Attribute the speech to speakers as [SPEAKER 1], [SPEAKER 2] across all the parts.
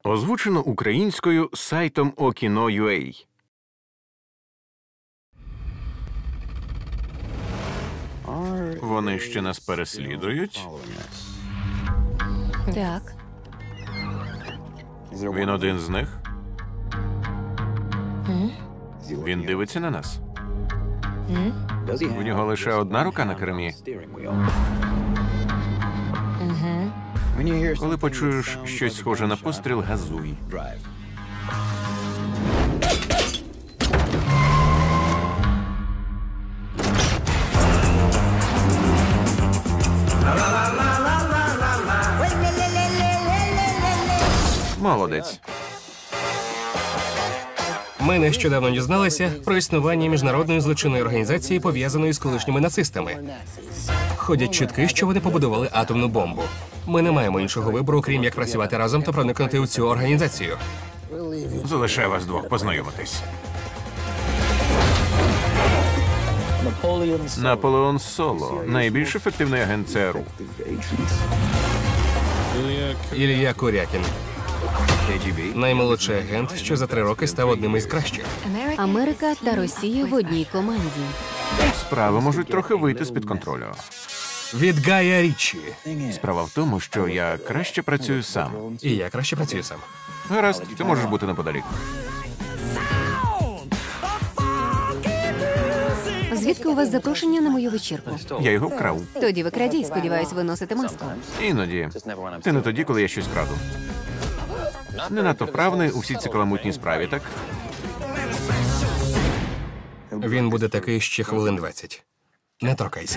[SPEAKER 1] Озвучено українською сайтом Okino.ua. Вони ще нас переслідують?
[SPEAKER 2] Так.
[SPEAKER 1] Він один з них? Він дивиться на нас? У нього лише одна рука на кермі? Коли почуєш щось схоже на постріл, газуй. Молодець.
[SPEAKER 3] Ми нещодавно дізналися про існування міжнародної злочинної організації, пов'язаної з колишніми нацистами. Ходять чутки, що вони побудували атомну бомбу. Ми не маємо іншого вибору, крім як працювати разом та проникнути у цю організацію.
[SPEAKER 1] Залишаю вас двох познайомитись. Наполеон Соло – найбільш ефективний агент ЦРУ.
[SPEAKER 3] Ілля Курякін. Наймолодший агент, що за 3 роки став одним із кращих.
[SPEAKER 2] Америка та Росія в одній команді.
[SPEAKER 1] Справи можуть трохи вийти з-під контролю.
[SPEAKER 3] Від Гая Річчі.
[SPEAKER 1] Справа в тому, що я краще працюю сам.
[SPEAKER 3] І я краще працюю сам.
[SPEAKER 1] Гаразд, ти можеш бути неподалік.
[SPEAKER 2] Звідки у вас запрошення на мою вечірку?
[SPEAKER 1] Я його вкрав.
[SPEAKER 2] Тоді ви крадій, сподіваюсь, ви носите маску.
[SPEAKER 1] Іноді. Ти не тоді, коли я щось краду. Не надто вправний у всій цій каламутній справі, так?
[SPEAKER 3] Він буде такий ще хвилин 20. Не торкайся.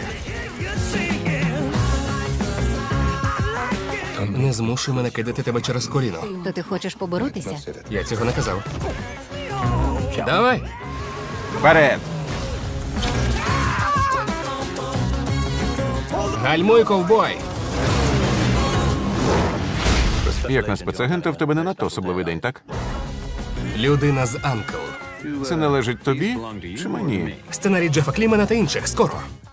[SPEAKER 3] Не змушуй мене кидати тебе через коліно.
[SPEAKER 2] То ти хочеш поборотися?
[SPEAKER 3] Я цього не казав. Давай!
[SPEAKER 1] Вперед!
[SPEAKER 3] Гальмуй, ковбой!
[SPEAKER 1] Як на спецагента, в тебе не надто особливий день, так?
[SPEAKER 3] Людина з Анкл.
[SPEAKER 1] Це належить тобі чи мені?
[SPEAKER 3] Сценарій Джефа Клімена та інших. Скоро.